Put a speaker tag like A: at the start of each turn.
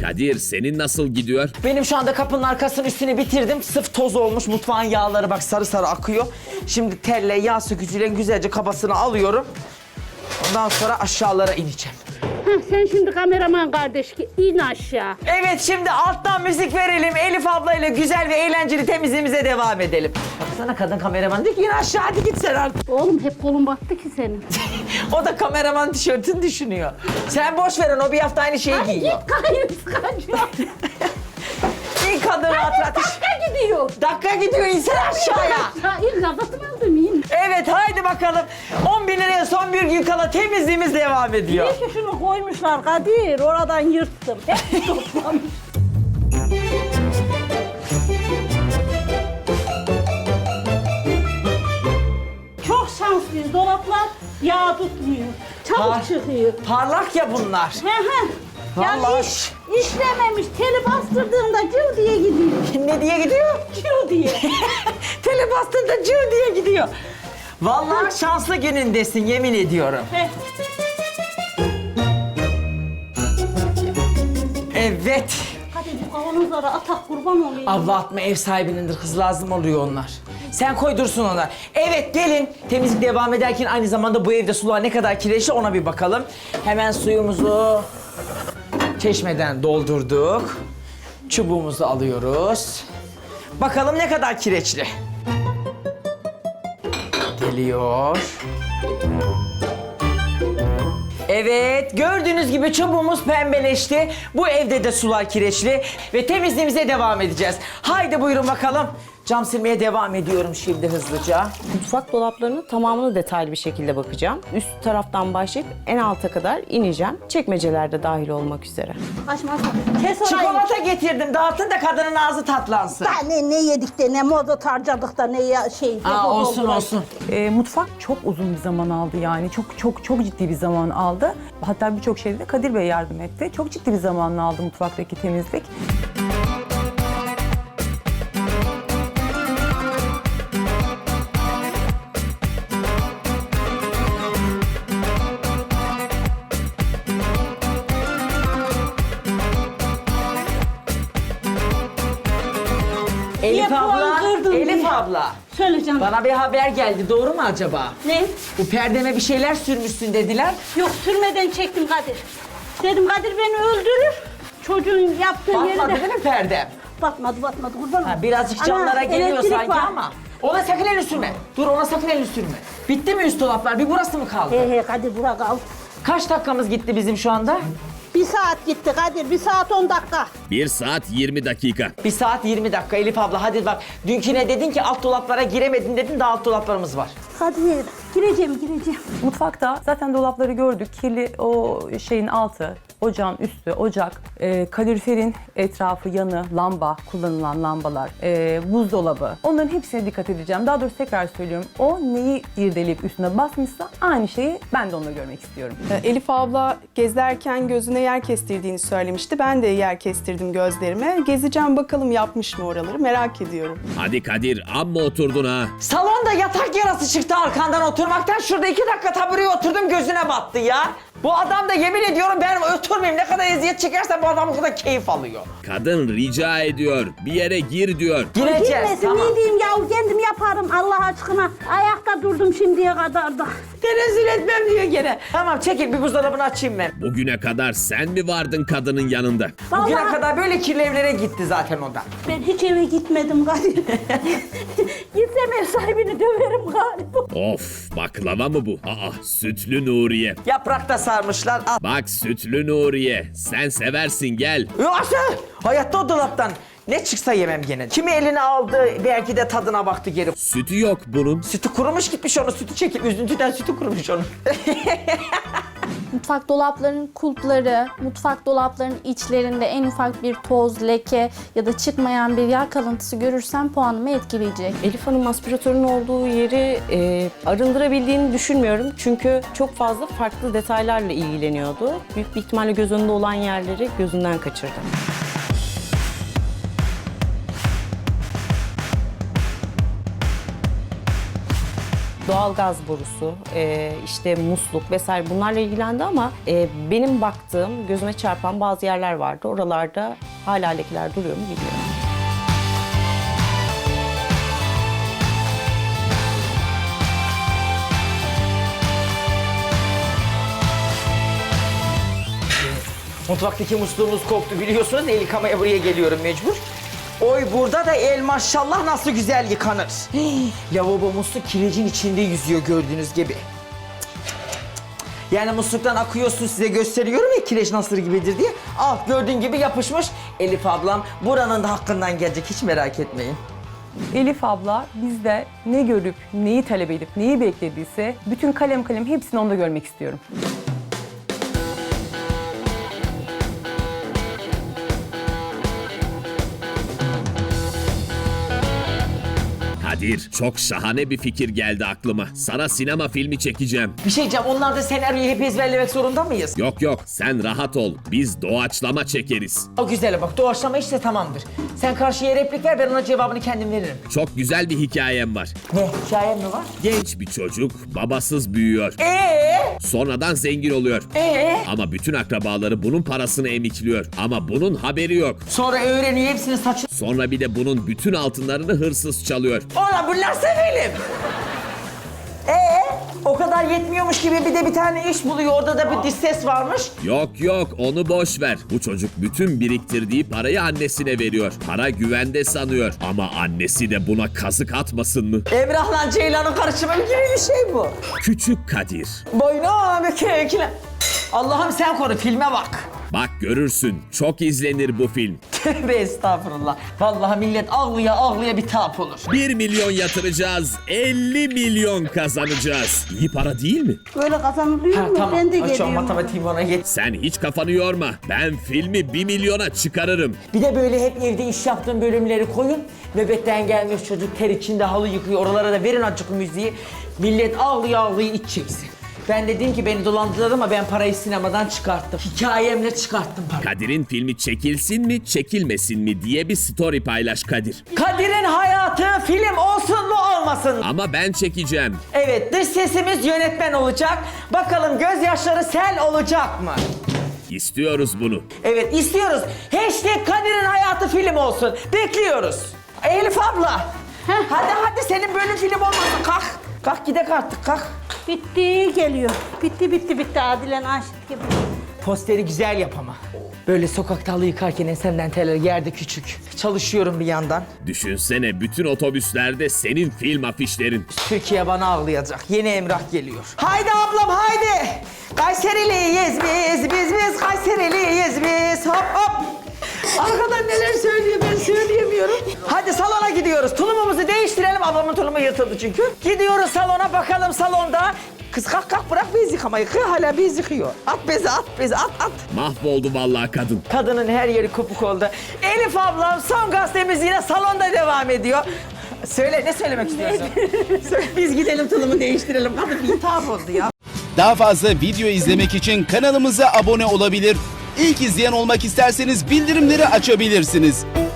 A: Kadir senin nasıl gidiyor?
B: Benim şu anda kapının arkasının üstünü bitirdim. Sıf toz olmuş. Mutfağın yağları bak sarı sarı akıyor. Şimdi telle, yağ sökücüyle güzelce kabasını alıyorum. Ondan sonra aşağılara ineceğim.
C: Sen şimdi kameraman kardeş in aşağı.
B: Evet, şimdi alttan müzik verelim. Elif ablayla güzel ve eğlenceli temizliğimize devam edelim. Baksana, kadın kameraman diyor ki yine aşağı, hadi git sen artık.
C: Oğlum hep kolun battı ki senin.
B: O da kameraman tişörtünü düşünüyor. Sen boş ver onu, bir hafta aynı şeyi giyiyor.
C: Git kayın kaçıyor.
B: İyi kadın rahat rahat iş.
C: Dakika gidiyor.
B: Dakika gidiyor, insan aşağıya.
C: İn kafasını aldım in.
B: Evet, haydi bakalım. 10 bin liraya son bir gün kala temizliğimiz devam ediyor.
C: İyi ki şunu koymuşlar Kadir. Oradan yırttım. Hep toplamış. Çok şanslıyız. Dolaplar yağ tutmuyor. Çabuk çıkıyor.
B: Parlak ya bunlar.
C: He he. Yani
B: Vallahi.
C: işlememiş. Teli bastırdığında cıv diye gidiyor.
B: Ne diye gidiyor?
C: Cıv diye.
B: Tele bastığında cır diye gidiyor. Vallahi şanslı günündesin, yemin ediyorum.
C: He.
B: Evet.
C: Hadi bu kavanozlara atak kurban olayım.
B: Abla atma, ev sahibinindir kız, lazım oluyor onlar. Sen koy dursun onlar. Evet, gelin. Temizlik devam ederken aynı zamanda bu evde sular ne kadar kireçli ona bir bakalım. Hemen suyumuzu çeşmeden doldurduk. Çubuğumuzu alıyoruz. Bakalım ne kadar kireçli. Geliyor. Evet, gördüğünüz gibi çubuğumuz pembeleşti. Bu evde de sular kireçli ve temizliğimize devam edeceğiz. Haydi buyurun bakalım. Cam silmeye devam ediyorum şimdi hızlıca.
D: Mutfak dolaplarının tamamını detaylı bir şekilde bakacağım. Üst taraftan başlayıp en alta kadar ineceğim. Çekmeceler de dahil olmak üzere.
C: Kaçmaz. Kes orayı.
B: Çikolata getirdim, dağıtın da kadının ağzı tatlansın.
C: Ne yedik de ne moda harcadık da ne şey.
B: Olsun olsun.
E: Mutfak çok uzun bir zaman aldı yani. Çok ciddi bir zaman aldı. Hatta birçok şeyde de Kadir Bey yardım etti. Çok ciddi bir zamanını aldı mutfaktaki temizlik.
B: Elif
C: puan
B: abla,
C: kırdın
B: Elif
C: diye.
B: abla.
C: Söyle canım.
B: Bana bir haber geldi, doğru mu acaba?
C: Ne?
B: Bu perdeme bir şeyler sürmüşsün dediler.
C: Yok sürmeden çektim Kadir. Dedim Kadir beni öldürür. Çocuğun yaptığı yeri
B: Batmadı
C: de...
B: değil mi perdem?
C: Batmadı kurban
B: Ha, birazcık camlara
C: Ana,
B: geliyor
C: elektrik
B: sanki
C: var.
B: ama. Ona sakın elini sürme. Dur, ona sakın elini sürme. Bitti mi üst dolaplar? Bir burası mı kaldı?
C: He Kadir bura kal.
B: Kaç dakikamız gitti bizim şu anda?
C: 1 saat gitti Kadir. 1 saat 10 dakika.
A: 1 saat 20 dakika.
B: 1 saat 20 dakika Elif abla, hadi bak. Dünküne dedin ki alt dolaplara giremedin dedin, daha alt dolaplarımız var.
C: Kadir gireceğim.
E: Mutfakta zaten dolapları gördük. Kirli o şeyin altı, ocağın üstü, ocak, kaloriferin etrafı, yanı, lamba, kullanılan lambalar, buzdolabı. Onların hepsine dikkat edeceğim. Daha doğrusu tekrar söylüyorum. O neyi irdeleyip üstüne basmışsa aynı şeyi ben de onunla görmek istiyorum.
F: Elif abla gezerken gözüne yer kestirdiğini söylemişti. Ben de yer kestirdim gözlerime. Gezeceğim bakalım yapmış mı oraları, merak ediyorum.
A: Hadi Kadir, amma oturdun ha.
B: Salonda yatak yarası çıktı arkandan oturmaktan. Şurada 2 dakika tabureye oturdum, gözüne battı ya. Bu adam da yemin ediyorum ben oturmayayım. Ne kadar eziyet çekersen bu adam o kadar keyif alıyor.
A: Kadın rica ediyor, bir yere gir diyor.
B: Gireceğiz,
C: Girmesin
B: tamam.
C: ne diyeyim ya kendim yaparım Allah aşkına. Ayakta durdum şimdiye kadar da.
B: Tenezzül etmem diyor gene. Tamam, çekil, bir buzdolabını açayım ben.
A: Bugüne kadar sen mi vardın kadının yanında?
B: Bugüne
C: Vallahi
B: kadar böyle kirli evlere gitti zaten o da.
C: ben hiç eve gitmedim Kadir. Gitsem ev sahibini döverim galiba.
A: Of, baklava mı bu? Aa, sütlü Nuriye.
B: Yaprakta sarmışlar. Al.
A: Bak sütlü Nuriye, sen seversin gel.
B: Yoksa hayatta o dolaptan ne çıksa yemem gene. Kimi eline aldı, belki de tadına baktı geri.
A: Sütü yok bunun.
B: Sütü kurumuş gitmiş, onu sütü çekip üzüntüden sütü kurumuş onun.
G: Mutfak dolaplarının kulpları, mutfak dolaplarının içlerinde en ufak bir toz, leke ya da çıkmayan bir yağ kalıntısı görürsem puanımı etkileyecek.
D: Elif Hanım aspiratörün olduğu yeri arındırabildiğini düşünmüyorum. Çünkü çok fazla farklı detaylarla ilgileniyordu. Büyük bir ihtimalle göz önünde olan yerleri gözünden kaçırdı. Doğalgaz borusu, işte musluk vesaire bunlarla ilgilendi ama benim baktığım, gözüme çarpan bazı yerler vardı. Oralarda hala lekeler duruyor mu bilmiyorum.
B: Mutfaktaki musluğumuz koptu biliyorsunuz. El yıkamaya buraya geliyorum mecbur. Oy burada da el maşallah nasıl güzel yıkanır. Lavabo musluk kirecin içinde yüzüyor gördüğünüz gibi. Yani musluktan akıyor su, size gösteriyorum ya kireç nasıl gibidir diye. Al gördüğün gibi yapışmış. Elif ablam buranın da hakkından gelecek, hiç merak etmeyin.
E: Elif abla bizde ne görüp, neyi talep edip, neyi beklediyse bütün kalem kalem hepsini onda görmek istiyorum.
A: Kadir, çok şahane bir fikir geldi aklıma. Sana sinema filmi çekeceğim.
B: Bir şey diyeceğim, onlar da senaryoyu hep ezberlemek zorunda mıyız?
A: Yok yok, sen rahat ol. Biz doğaçlama çekeriz.
B: O güzel bak, doğaçlama işte tamamdır. Sen karşıya replik ver, ben ona cevabını kendim veririm.
A: Çok güzel bir hikayem var.
B: Ne, hikayem mi var?
A: Genç bir çocuk babasız büyüyor. Sonradan zengin oluyor. Ama bütün akrabaları bunun parasını emikliyor. Ama bunun haberi yok.
B: Sonra öğreniyor hepsini saçı...
A: Sonra bir de bunun bütün altınlarını hırsız çalıyor.
B: Ulan bu nasıl film? O kadar yetmiyormuş gibi bir de bir tane iş buluyor, orada da bir diş ses varmış.
A: Yok yok, onu boş ver. Bu çocuk bütün biriktirdiği parayı annesine veriyor. Para güvende sanıyor. Ama annesi de buna kazık atmasın mı?
B: Emrah'la Ceylan'ın karışımı gibi bir şey bu.
A: Küçük Kadir.
B: Boynu bükükle. Allah'ım sen koru, filme bak.
A: Bak görürsün, çok izlenir bu film.
B: Tövbe estağfurullah. Vallahi millet ağlıya ağlıya bir tap olur.
A: 1 milyon yatıracağız, 50 milyon kazanacağız. İyi para değil mi?
C: Böyle kazanılıyor mu? Ben de
B: Aç o
C: geliyorum.
B: matematiğimi ona geç.
A: Sen hiç kafanı yorma. Ben filmi 1 milyona çıkarırım.
B: Bir de böyle hep evde iş yaptığım bölümleri koyun. Nöbetten gelmiş çocuk ter içinde halı yıkıyor. Oralara da verin azıcık müziği. Millet ağlıya ağlıya iç çeksin. Ben dedim ki beni dolandırdılar ama ben parayı sinemadan çıkarttım. Hikayemle çıkarttım parayı.
A: Kadir'in filmi çekilsin mi, çekilmesin mi diye bir story paylaş Kadir.
B: Kadir'in hayatı film olsun mu olmasın mı?
A: Ama ben çekeceğim.
B: Evet, dış sesimiz yönetmen olacak. Bakalım gözyaşları sel olacak mı?
A: İstiyoruz bunu.
B: Evet, istiyoruz. Hashtag Kadir'in hayatı film olsun. Bekliyoruz. Elif abla. Hadi senin bölüm film olmasın. Kalk. Kalk gidek artık kalk.
C: Bitti geliyor. Bitti Adilen aşık gibi.
B: Posteri güzel yap ama. Böyle sokakta halı yıkarken ensemden teller yerde küçük. Çalışıyorum bir yandan.
A: Düşünsene bütün otobüslerde senin film afişlerin.
B: Türkiye bana ağlayacak. Yeni Emrah geliyor. Haydi ablam haydi. Kayseriliyiz biz Kayseriliyiz biz. Hop hop. Arkadan neler söylüyor ben söyleyemiyorum. Hadi salona gidiyoruz. Tulumumuzu değiştirelim. Ablamın tulumu yırtıldı çünkü. Gidiyoruz salona bakalım salonda. Kız kalk bırak bez yıkamayı. Hala bez yıkıyor. At bezi at.
A: Mahvoldu vallahi kadın.
B: Kadının her yeri kopuk oldu. Elif ablam son gazetemiz yine salonda devam ediyor. Söyle ne söylemek istiyorsun? Söyle, biz gidelim tulumu değiştirelim. Kadın bir hitap oldu ya.
H: Daha fazla video izlemek için kanalımıza abone olabilir. İlk izleyen olmak isterseniz bildirimleri açabilirsiniz.